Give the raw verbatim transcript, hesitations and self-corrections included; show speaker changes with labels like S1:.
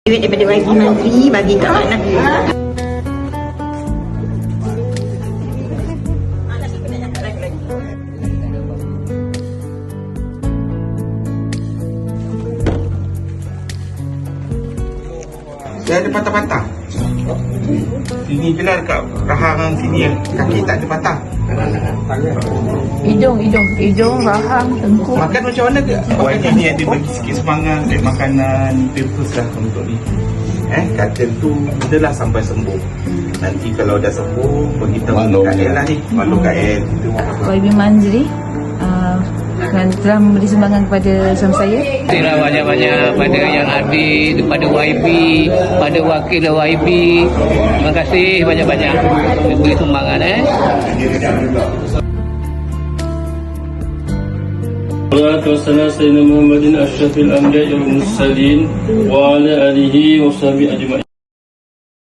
S1: Duit daripada Y P Menteri bagi kat mana?
S2: Dia ada patah-patah. Sini je lah dekat rahang sini ya. Kaki tak ada patah.
S3: Hidung, hidung, hidung, rahang, tengkuk.
S2: Makan macam mana ke? Awalnya ni ada bagi sikit semangat dari makanan purpose lah untuk ni. Eh, kata tu adalah sampai sembuh. Nanti kalau dah sembuh, beritahu kat El lah ni. Malu kat El.
S3: Y B Manzri uh, dan telah memberi sumbangan kepada suami saya.
S4: Terima kasih banyak-banyak pada yang hadir, pada Y P, pada wakil Y P. Terima kasih banyak-banyak memberi sumbangan eh.
S5: Salatu wassalamu ala Muhammadin asyrafil anbiya'i wal mursalin wa ala alihi wa sahbihi ajma'in.